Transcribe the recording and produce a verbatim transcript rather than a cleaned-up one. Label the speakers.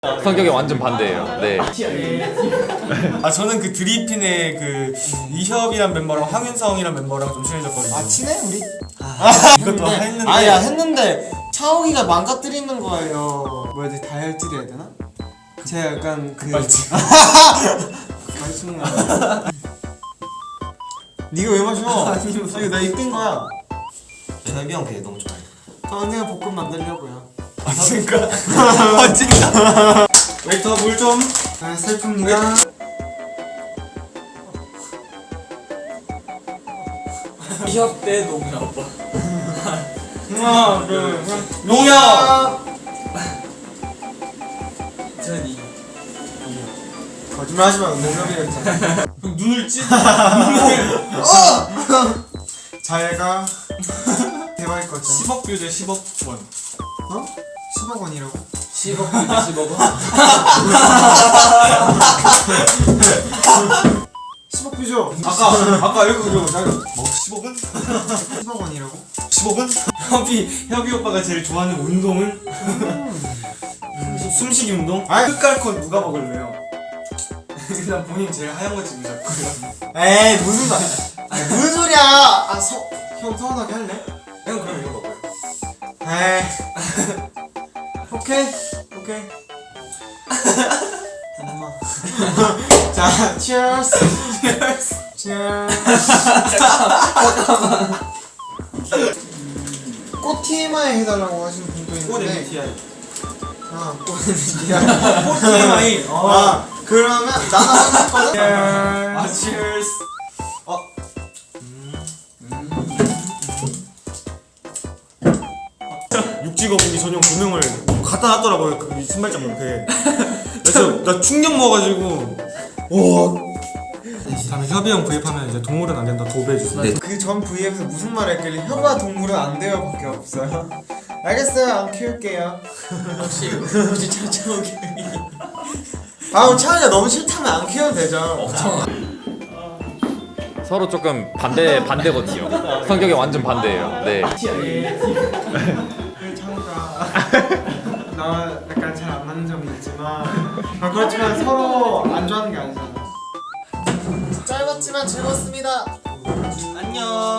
Speaker 1: 성격이 완전 반대예요. 네.
Speaker 2: 아 저는 그 드리핀의 그 이협이란 멤버랑 황윤성이란 멤버랑 좀 친해졌거든요.
Speaker 3: 아 친해 우리?
Speaker 2: 아, 이것도 했는데.
Speaker 3: 아야 했는데 차오기가 망가뜨리는 거예요. 뭐야 돼 다혈질이 해야 되나? 제가 약간 그
Speaker 2: 빨지.
Speaker 3: 말충나. 네가 왜 마셔? 아니 이거 나 이끈 거야.
Speaker 4: 현비 형 걔 너무 좋아해.
Speaker 3: 저 언니가 볶음 만들려고요.
Speaker 2: 아 진짜? 아 진짜?
Speaker 3: 웨이터 물 좀. 아 슬픕니다.
Speaker 5: 이협 때 농협 오빠.
Speaker 3: 하나 둘 셋.
Speaker 2: 농협!
Speaker 5: 전 이.
Speaker 3: 거짓말 하지 말고 농협이랬잖아.
Speaker 2: 눈을 찢.
Speaker 3: 잘가. 대박일 것 같아.
Speaker 2: 십억 뷰제 십억 원.
Speaker 3: 어? 십억 원이라고?
Speaker 5: 십억 대 십억 원.
Speaker 3: 십억 뷰죠?
Speaker 2: 아까 아까 이거 이거 나 뭐 십억은?
Speaker 3: 십억 원이라고?
Speaker 2: 십억은? 협이 협이 오빠가 제일 좋아하는 운동은? 음, 숨쉬기 운동?
Speaker 3: 아이.
Speaker 2: 끝깔컷 누가 먹을래요? 일단 본인 제일 하얀 거 찍으셨고요.
Speaker 3: 에이 무슨 말? 아니, 무슨 소리야? 아 서. 형 서운하게 할래?
Speaker 2: 형 그럼 이거 먹어요.
Speaker 3: 에이. 오케이 오케이. 엄마. 자, cheers. cheers. cheers. 꽃 티엠아이 해달라고 하시는 분도
Speaker 2: 꽃
Speaker 3: 있는데.
Speaker 2: 엠비티아이.
Speaker 3: 아, 꽃 엠비티아이.
Speaker 2: 꽃 티엠아이.
Speaker 3: 아, 그러면 나도 하고 싶거든.
Speaker 2: 아 cheers. 어. 육지거북이 전용 조명을 갖다 놨더라고요 그 신발장 옆에. 그래서 나 충격 먹어가지고 와. 다음에 협이 형 구입하면 이제 동물은 안 된다 도배해주세요.
Speaker 4: 네.
Speaker 3: 그 전 브이앱에서 무슨 말 했길래 혀가 동물은 안 돼요 밖에 없어요. 알겠어요, 안 키울게요.
Speaker 5: 혹시 혹시 차차오기.
Speaker 3: 아우 차이가 너무 싫다면 안 키워도 되죠.
Speaker 1: 서로 조금 반대 반대거든요. 성격이 완전 반대예요. 네.
Speaker 3: 그 차이가 나 약간 잘 안 맞는 점이 있지만 아, 그렇지만 서로 안 좋아하는 게 아니잖아. 짧았지만 즐거웠습니다.
Speaker 2: 안녕.